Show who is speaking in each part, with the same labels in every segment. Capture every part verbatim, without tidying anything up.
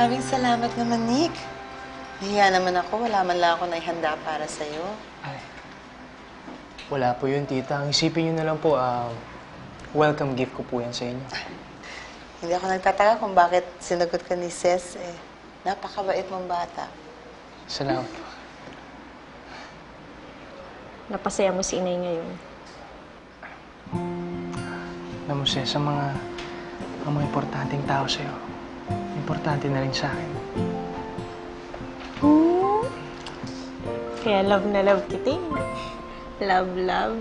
Speaker 1: Maraming salamat naman, Nick. Nahiya naman ako. Wala man lang ako naihanda para sa'yo.
Speaker 2: Ay, wala po yun, tita. Ang isipin niyo na lang po, uh, welcome gift ko po yan sa inyo.
Speaker 1: Hindi ako nagtataka kung bakit sinagot ka ni Ces. Eh, napakabait mong bata.
Speaker 2: Salamat po.
Speaker 3: Napasaya mo si inay ngayon.
Speaker 2: Alam mo, Ces, sa mga, ang mga importanteng tao sa'yo, importante na rin sa akin.
Speaker 3: Hmm. Kaya love na love kita eh. Love, love.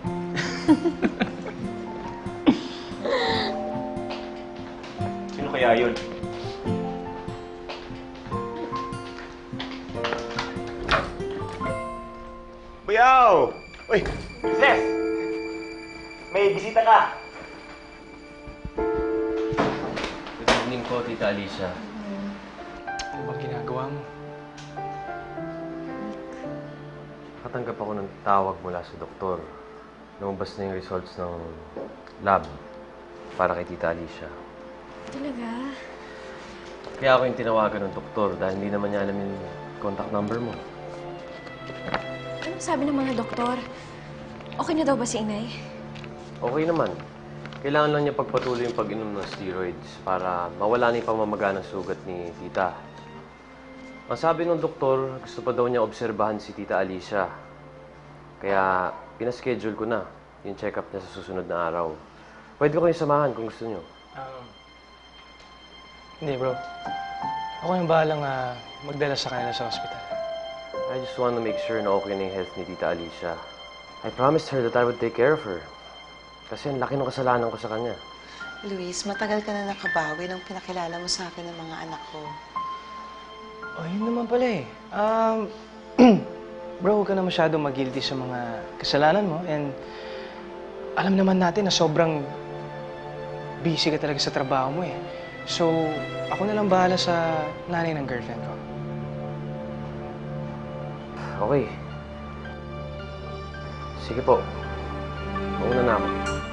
Speaker 4: Sino kaya yun? Buyaw! Uy! Ces! May bisita ka!
Speaker 5: Good evening po, Tita Alicia.
Speaker 2: Ano bang ginagawa mo?
Speaker 5: Nakatanggap ako ng tawag mula sa doktor. Lumabas na yung results ng lab para kay Tita Alicia.
Speaker 3: Talaga?
Speaker 5: Kaya ako yung tinawagan ng doktor dahil hindi naman niya alam yung contact number mo.
Speaker 3: Anong sabi ng mga doktor? Okay na daw ba si inay?
Speaker 5: Okay naman. Kailangan lang niya pagpatuloy yung pag-inom ng steroids para mawala na yung pamamaga ng sugat ni Tita. Ang sabi ng doktor, gusto pa daw niya obserbahan si Tita Alicia. Kaya pinaschedule ko na yung check-up niya sa susunod na araw. Pwede ko kayong samahan kung gusto niyo.
Speaker 2: Um, hindi, bro. Ako yung bahalang uh, magdala sa kanila sa hospital.
Speaker 5: I just want to make sure na okay na yung health ni Tita Alicia. I promised her that I would take care of her. Kasi ang laki ng kasalanan ko sa kanya.
Speaker 1: Luis, matagal ka na nakabawi nung pinakilala mo sa akin ng mga anak ko.
Speaker 2: Oh, yun naman pala eh. Um, bro, huwag ka na masyadong mag-guilty sa mga kasalanan mo. And alam naman natin na sobrang busy ka talaga sa trabaho mo eh. So, ako na lang bahala sa nanay ng girlfriend ko.
Speaker 5: Okay. Sige po. Mauna na ako.